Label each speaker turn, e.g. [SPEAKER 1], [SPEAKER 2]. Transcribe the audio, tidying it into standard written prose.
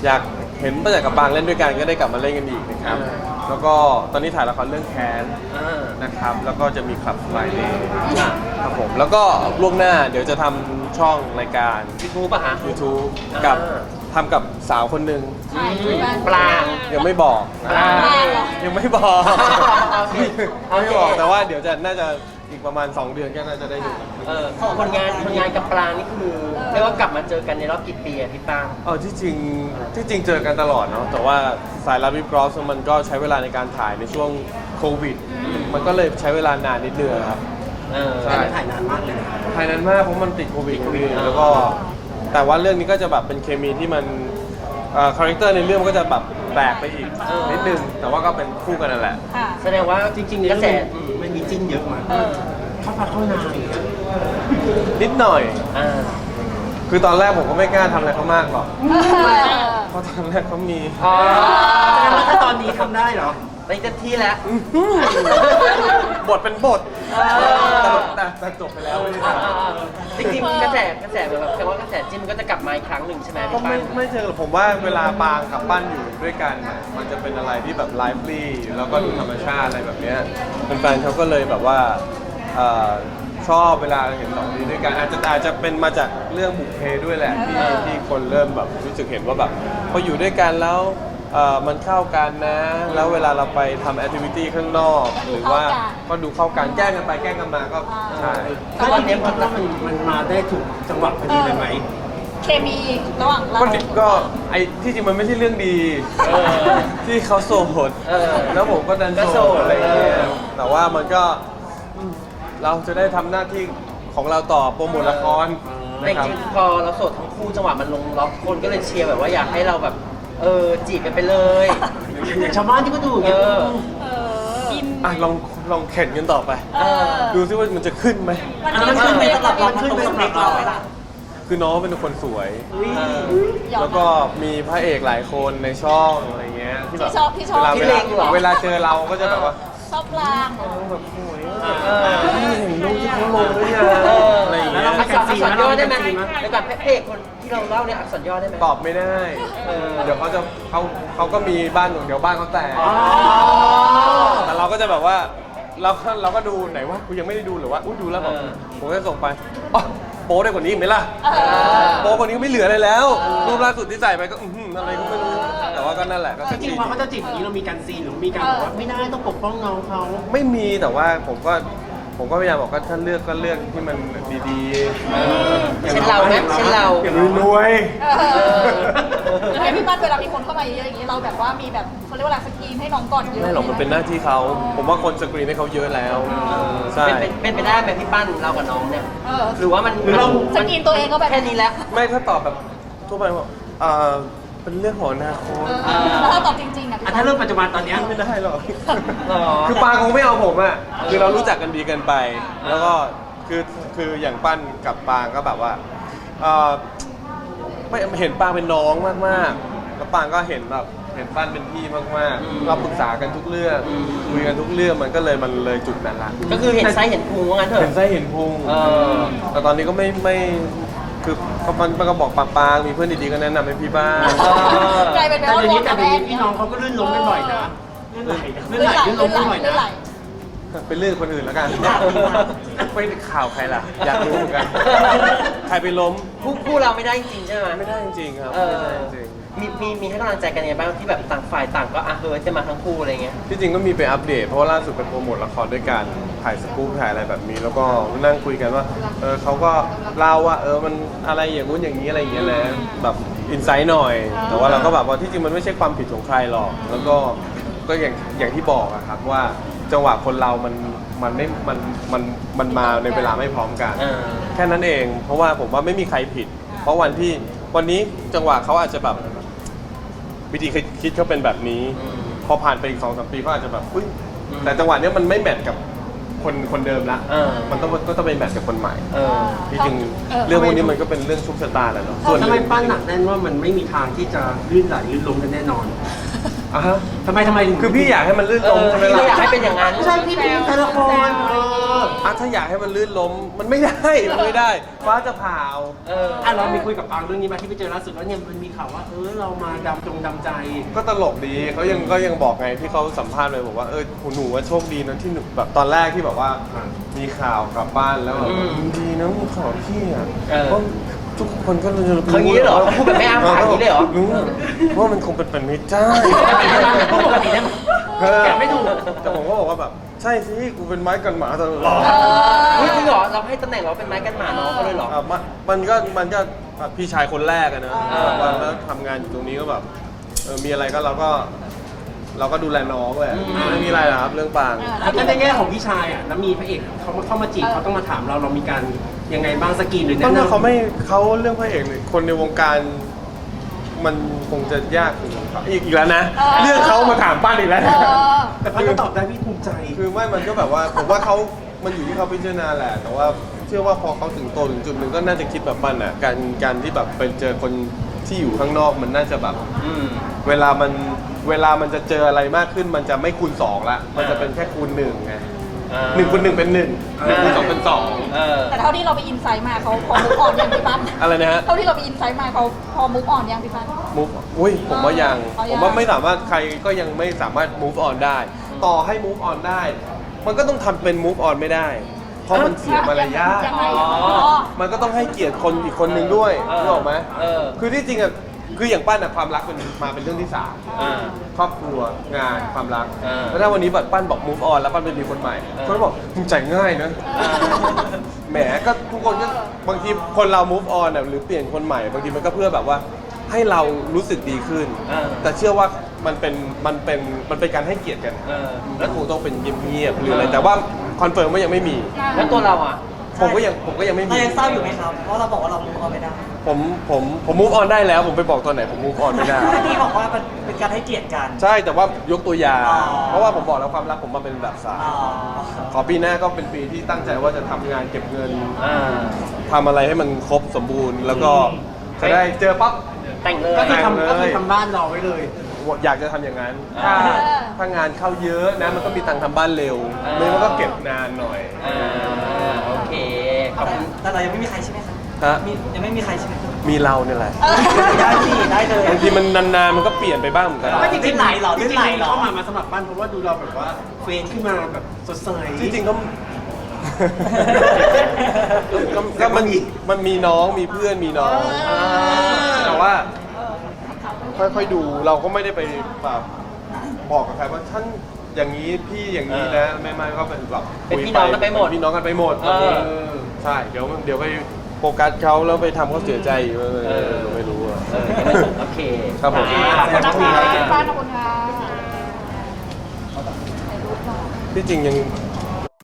[SPEAKER 1] อยากเห็นตั้งแต่กับปางเล่นด้วยกันก็ได้กลับมาเล่นกันอีกนะครับแล้วก็ตอนนี้ถ่ายละครเรื่องแค้นนะครับแล้วก็จะมีคลับไฟเดย์ครับผมแล้วก็ล่วงหน้าเดี๋ยวจะทำช่องรายการ
[SPEAKER 2] YouTube ป่ะฮะ
[SPEAKER 1] YouTube กับทำกับสาวคนหนึ่ง
[SPEAKER 2] ปลา
[SPEAKER 1] ยังไม่บอกยังไม่บอก
[SPEAKER 2] โอเค
[SPEAKER 1] ไม่บอกแต่ว่าเดี๋ยวจะน่าจะอีกประมาณ 2 เดือนก็น่าจะได้ดู
[SPEAKER 2] คนงานกับปลานี่คือเรียกว่ากลับมาเจอกันในรอบกี่ปีอะพี่ป้าง
[SPEAKER 1] ที่จริงเจอกันตลอดเนาะแต่ว่าสายลับวิบกรอสมันก็ใช้เวลาในการถ่ายในช่วงโควิดมันก็เลยใช้เวลานานนิดนึงครับใช่
[SPEAKER 2] ถ่ายนานมากเลย
[SPEAKER 1] ถ่ายนานมากเพราะมันติดโควิดแล้วก็แต่ว่าเรื่องนี้ก็จะแบบเป็นเคมีที่มันคาแรคเตอร์ในเรื่องมันก็จะแบบแปลกไปอีกนิดนึงแต่ว่าก็เป็นคู่กันนั่นแหละ
[SPEAKER 2] แสดงว่าจริงๆกระแสมันมีจิ้นเยอะมากเข้าพักเข้านาน
[SPEAKER 1] นิดหน่อย
[SPEAKER 2] อ่า
[SPEAKER 1] คือตอนแรกผมก็ไม่กล้าทำอะไรเขามากหรอกเพราะตอนแรกเขามี
[SPEAKER 2] อ๋อแสดงว่าถ้าตอนนี้ทำได้เหรอไปเต็มที่แล้ว
[SPEAKER 1] บทเป็นบทแต่จบไปแล้วไม่ได้ทำ
[SPEAKER 2] จริงๆกระแสแบบแปลว่ากระแสจิ้นมันก็จะกลับมาอีกครั้งหนึ่งใช่ไหม
[SPEAKER 1] ก็
[SPEAKER 2] พี่ป้าง
[SPEAKER 1] ไม่เจอหรอกผมว่าเวลาปางกับปั้นอยู่ด้วยกันน่ะมันจะเป็นอะไรที่แบบไลฟ์ลี่แล้วก็ดูธรรมชาติอะไรแบบเนี้ยแฟนๆเขาก็เลยแบบว่าชอบเวลาเห็นสองนี้ด้วยกันอาจจะเป็นมาจากเรื่องบุพเพด้วยแหละที่คนเริ่มแบบรู้สึกเห็นว่าแบบพออยู่ด้วยกันแล้วมันเข้ากันนะ แล้วเวลาเราไปทำแอคทิวิตี้ข้างนอกหรือว่าก็ดูเข้ากันแกล้งกันไปแกล้งกันมาก็ใช่
[SPEAKER 2] ก็ตอนนี้มันมาได้ถูกจังหวะพอดีเลยไหม
[SPEAKER 3] เคมีระหว่างเรา
[SPEAKER 1] ก็ไอ้ที่จริงมันไม่ใช่เรื่องดีที่เขาโสดแล้วผมก็ดันโสดอะไรอย่างเงี้ยแต่ว่ามันก็เราจะได้ทำหน้าที่ของเราต่อโปรโมทละคร
[SPEAKER 2] แต่
[SPEAKER 1] นะครับ
[SPEAKER 2] จริงๆพอเราโสดทั้งคู่จังหวะมันลงล็อกคนก็เลยเชียร์แบบว่าอยากให้เราแบบจีบกันไปเลยอย่างชาวบ้านที่ก็ดูอย่างเงี้ย
[SPEAKER 3] กิน
[SPEAKER 1] ลองเข็นกันต่อไป ดูซิว่ามันจะขึ้นไหม
[SPEAKER 2] มันขึ้นไปสำหรับเรามันขึ้นไปสำหรับเราไหมล่ะ
[SPEAKER 1] คือน้องเป็นคนสวย แล้วก็มีพระเอกหลายคนในช่องอะไรเงี้ยที่แบบ
[SPEAKER 3] พี่ชอบ
[SPEAKER 1] เวลาเจอเราก็จะแบบว่า
[SPEAKER 3] ชอบลาง
[SPEAKER 1] แบบสวยเห็นรูปที่เขาลงหรือยังอะไรอย่างเงี้ย
[SPEAKER 2] อักษรย่อได้ไหมในแบบพระเอกคนที่เราเล่าเนี่ยอักษรย่อได้ไหม
[SPEAKER 1] ตอบไม่ได้ เดี๋ยวเขาก็มีบ้านเดี๋ยวบ้านเขาแตกแต่เราก็จะแบบว่าเราก็ดูไหนว่ากูยังไม่ได้ดูหรือว่าดูแล้วแบบผมก็ส่งไปอ๋อโป๊ได้กว่านี้อีกไหมล่ะโป๊กว่านี้ก็ไม่เหลืออะไรแล้วรูปล่าสุดที่ใส่ไปก็อะไรก็ไม่รู้แต่ว่าก็นั่นแหละก็
[SPEAKER 4] จริงๆพอเขาจะจีบอย่างนี้เรามีการซีนหรือมีการบอกว่าไม่ได้ต้องปกป้องน้องเขา
[SPEAKER 1] ไม่มีแต่ว่าผมก็พยายามบอกว่าถ้าเลือกก็เลือกที่มันดีๆ
[SPEAKER 2] เช่นเราไหมเช่นเรา
[SPEAKER 1] รวย
[SPEAKER 3] แล้วให้พี่ปั้นเวลามีคนเข้ามาเยอะอย่างนี้เราแบบว่ามีแบบเขาเรียกว่าอะไรสกรีนให้น้องก่อนเยอะ
[SPEAKER 1] ไม่หรอกมันเป็นหน้าที่เขาผมว่าคนสกรีนให้เขาเยอะแล้วใช่
[SPEAKER 2] เป็นไปได้ไหมพี่ปั้นเรากับน้องเนี่ยหรือว่ามัน
[SPEAKER 3] สกรีนตัวเองก็แบบ
[SPEAKER 2] แค่นี้แล้ว
[SPEAKER 1] ไม่ถ้าตอบแบบทั่วไปว่าเป็นเรื่องของอนาคต
[SPEAKER 3] แล้วถ้าตอบจริงๆอ่ะ
[SPEAKER 4] ถ้าเรื่องปัจจุบันตอนเนี้ย
[SPEAKER 1] ไม่ได้หรอกคือปาคงไม่เอาผมอ่ะคือเรารู้จักกันดีเกินไป แล้วก็คืออย่างปั้นกับปางก็แบบว่าไม่เห็นปางเป็นน้องมากๆแล้วปางก็เห็นแบบเห็นปั้นเป็นพี่มากๆเราปรึกษากันทุกเรื่องคุยกันทุกเรื่องมันก็เลยจุดนั้นละ
[SPEAKER 2] ก็คือเห็นไซส์เห็นพุงว่างั้นเถ
[SPEAKER 1] เห็น
[SPEAKER 2] อะ
[SPEAKER 1] ไส้เห็นพุงแต่ตอนนี้ก็ไม่คือมันก็บอกปางมีเพื่อนดีๆก็แนะนำให้พี่บ้าง
[SPEAKER 3] กลายเป็น
[SPEAKER 4] แต่
[SPEAKER 3] ว่า
[SPEAKER 4] เดี๋ยวนี้
[SPEAKER 3] กับ
[SPEAKER 4] พี่น้องเขาก็ลื่นล้มกันบ่อยนะลื่นไหลลื่นล้มกันบ่อยนะ
[SPEAKER 1] เป็นเรื่องคนอื่นแล้วกันไม่ข่าวใครล่ะ อยากรู้เหมือนกัน ใครไปล้ม
[SPEAKER 2] คู่เราไม่ได้จริงใช่ไหม
[SPEAKER 1] ไม่ได้จริงๆครับ
[SPEAKER 2] เอ
[SPEAKER 1] ไม่
[SPEAKER 2] อ
[SPEAKER 1] ได้จริง
[SPEAKER 2] มีให้กำลังใจกันยังไงบ้างที่แบบต่างฝ่ายต่างก็เฮิร์ตจะมาทั้งคู่อะไรเงี้ย
[SPEAKER 1] ที่จริงก็มีไปอัปเดตเพราะว่าล่าสุดไปโปรโมทละครด้วยกันถ่ายสกู๊ปถ่ายอะไรแบบนี้ แล้วก็นั่งคุยกันว่าเขาก็เล่าว่ามันอะไรอย่างงู้นอย่างนี้อะไรอย่างเงี้ยแหละแบบอินไซต์หน่อย แต่ว่าเราก็แบบว่าที่จริงมันไม่ใช่ความผิดของใครหรอก แล้วก็อย่างที่บอกอะครับว่าจังหวะคนเรามันไม่มันมาในเวลาไม่พร้อมกัน แค่นั้นเอง เพราะว่าผมว่าไม่มีใครผิด เพราะวันนี้จังหวะเขาอาจจะแบบวิธีคิดเขาเป็นแบบนี้ พอผ่านไปอีก 2-3 ปีเขาอาจจะแบบอุ๊ยแต่จังหวะเนี้ยมันไม่แมทกับคนเดิมละมันต้องไปแมทกับคนใหม่ที่จริงเรื่องพวกนี้มันก็เป็นเรื่องชุกชะตาแหละเนาะ
[SPEAKER 4] ทำไมปั้นหนักแน่นว่ามันไม่มีทางที่จะลื่นไหลลื่นล้มกันแน่นอน
[SPEAKER 1] อ่ะฮะ
[SPEAKER 4] ทำไมถึง
[SPEAKER 1] คือพี่อยากให้มันลื่นล้มใช่ไหม
[SPEAKER 2] พี่
[SPEAKER 1] ล่ะ
[SPEAKER 2] ก็อยากให้เป็นอย่างนั้น
[SPEAKER 4] ใช่พี่เป็นตัวละคร
[SPEAKER 1] ถ้าอยากให้มันลื่นล้มมันไม่ได้มันไม่ได้ ฟ้าจะผ่าเอา
[SPEAKER 4] เรามีคุยกับปางเรื่องนี้มาที่ไปเจอล่าสุดแล้วเนี่ยมันมีข่าวว่าเรามาดำใจ
[SPEAKER 1] ก็ตลกดีเขายังบอกไงที่เขาสัมภาษณ์ไปบอกว่าหนูว่าโชคดีนะที่หนูแบบตอนแรกที่แบบว่ามีข่าวกลับบ้านแล้วแบบดีนะมีข่าวพี่อ่ะเพราะทุกคนก็รู้
[SPEAKER 2] เขาอย่างนี้เหรอพูดแบบไม่อ้างปากอย่างนี้เลยเหรอ
[SPEAKER 1] ว่ามันคงเป็นไม่ได้
[SPEAKER 4] ปกติเนี่ยแกะไม่ถูก
[SPEAKER 1] แต่ผมก็บอกว่าแบบใช่สิกูเป็นไม้กันหมาตลอด
[SPEAKER 2] เฮ้ยจริงเหรอเราให้ตำแหน่งเราเป็นไม้กันหมาน้องเขาเลยเหรอ
[SPEAKER 1] มันก็พี่ชายคนแรกอะนะแล้วทำงานอยู่ตรงนี้ก็แบบมีอะไรก็เราก็ดูแลน้องแหละไม่มีอะไรหรอกครับเรื่องปาง
[SPEAKER 4] แล้วในแง่ของพี่ชายอ่ะแล้วมีพระเอกเขาเข้ามาจีบเขาต้องมาถามเรามีการยังไงบ้างสกรีนหรือ
[SPEAKER 1] ต
[SPEAKER 4] แนะ
[SPEAKER 1] อนนั้น
[SPEAKER 4] นำ
[SPEAKER 1] เขาเรื่องพระเอกเลยคนในวงการมันคงจะยากอีกแล้วนะ เรื่องเขามาถามป้านอีกแล้วนะ
[SPEAKER 4] แต่พันก็ตอบได้พี่ภูมิใจ
[SPEAKER 1] คือไม่มันก็แบบว่าผมว่ามันอยู่ที่เขาพิจารณาแหละ แต่ว่าเชื่อว่าพอเขาถึงโตถึงจุดหนึ่งก็น่าจะคิดแบบปั้นอ่ะการที่แบบไปเจอคนที่อยู่ข้างนอกมันน่าจะแบบเวลามันจะเจออะไรมากขึ้นมันจะไม่คูณ2ละมันจะเป็นแค่คูณ1ไง1 คูณ 1 เป็น 1 1 คูณ 2 เป็น 2
[SPEAKER 3] แต่เท่าที่เราไปอินไซต์มาเขาพอมุกอ่อนยังพี่ปั้น
[SPEAKER 1] อะไรนะฮะ
[SPEAKER 3] เท่าที่เราไปอินไซต์มาเขาพอมุกอ่อนยังพี่ปั้น
[SPEAKER 1] move อุ้ยผมว่ายัง
[SPEAKER 3] อ๋อยัง
[SPEAKER 1] ผมว่าไม่สามารถใครก็ยังไม่สามารถ move on ได้ ต่อให้ move on ได้ มันก็ต้องทำเป็น move on ไม่ได้ เพราะมันเสียมารยาท
[SPEAKER 3] ยังไง
[SPEAKER 1] มันก็ต้องให้เกียรติคนอีกคนนึงด้วย
[SPEAKER 2] เออ
[SPEAKER 1] รู้ออกไหม
[SPEAKER 2] เออ
[SPEAKER 1] คือที่จริงอ่ะคืออย่างปั้นอ่ะความรักมันมาเป็นเรื่องที่
[SPEAKER 2] อ่า
[SPEAKER 1] 3ครอบครัวงานความรัก
[SPEAKER 2] อ่า
[SPEAKER 1] แล้วถ้าวันนี้บัดปั้นบอก move on แล้วปั้นไปมีคนใหม่คนก็บอกมึงใจง่ายนะ แหมก็ทุกคนก็บางทีคนเรา move on อ่ะหรือเปลี่ยนคนใหม่บางทีมันก็เพื่อแบบว่าให้เรารู้สึกดีขึ้น แต่เชื่อว่ามันเป็นการให้เกียรติกัน แล้วคงต้องเป็นเงียบๆหรืออะไรแต่ว่าคอนเฟิร์มว่ายังไม่มี
[SPEAKER 2] แล้วตัวเราอ่ะ
[SPEAKER 1] ผมก็ยังไม่มี
[SPEAKER 5] เรายังเศร้าอยู่ไหมครับ เพราะเราบอกว่าเรามุกออนไม่ได้
[SPEAKER 1] ผม move on ได้แล้วผมไปบอกตอนไหนผม move on ไม่ได้
[SPEAKER 5] เมื่อกี้บอกว่ามันเป็นการให้เกียรติกัน
[SPEAKER 1] ใช่แต่ว่ายกตัวอย่าง
[SPEAKER 5] อ๋อ
[SPEAKER 1] เพราะว่าผมบอกแล้วความรักผมมาเป็นแบบสาย
[SPEAKER 5] อ๋อ
[SPEAKER 1] ขอปีหน้าก็เป็นปีที่ตั้งใจว่าจะทำงานเก็บเงิน
[SPEAKER 2] อ่า
[SPEAKER 1] ทำอะไรให้มันครบสมบูรณ์ แล้วก็จะได้เจอปั๊บ
[SPEAKER 2] แต่งเลย
[SPEAKER 4] ก็คือทำบ้านรอไว้เลย
[SPEAKER 1] อยากจะทำอย่างนั้น
[SPEAKER 2] อ่า
[SPEAKER 1] ถ้างานเข้าเยอะนะมันก็มีตังค์ทำบ้านเร็วไม่งั้นมันก็เก็บนานหน่อย
[SPEAKER 2] โอเค ขอบคุณ
[SPEAKER 5] แต่เรายังไม่มีใครใช่ไหมครับ
[SPEAKER 1] ฮะ
[SPEAKER 5] ยังไม่มีใครใช่ไหมครับ
[SPEAKER 1] มีเราเนี่ยแหละ
[SPEAKER 5] ได้สิได้เลย
[SPEAKER 1] บางทีมันนานๆมันก็เปลี่ยนไปบ้างเหมือนกัน
[SPEAKER 5] ไม่จริงๆไหลเหรอ
[SPEAKER 4] จ
[SPEAKER 5] เรื่อง
[SPEAKER 4] ริง
[SPEAKER 5] ไหล
[SPEAKER 4] ๆ
[SPEAKER 5] เหรอ
[SPEAKER 4] เข้ามาสมัครบ้านเพราะว่าดูเราแบบว่าเฟรนขึ้นมาแบบสดใส
[SPEAKER 1] จริงๆก็มันมีน้องมีเพื่อนมีน้องแต่ว่าค่อยๆดูเราก็ไม่ได้ไปแบบบอกกับใครว่าท่านอย่างนี้พี่อย่างนี้นะไม่ก็เป็นแบบ
[SPEAKER 2] เป็นพี่น้องกันไปหมด
[SPEAKER 1] เป็นพี่น้องกันไปหมดใช่เดี๋ยวไปโฟกัสเขาแล้วไปทำเขาเสียใจอีกเราไม่รู้อะ
[SPEAKER 2] โอเค
[SPEAKER 1] ครับผม
[SPEAKER 3] ขอบคุณนะคะพี่ปั้นขอบคุณค่ะ
[SPEAKER 1] ที่จริงยัง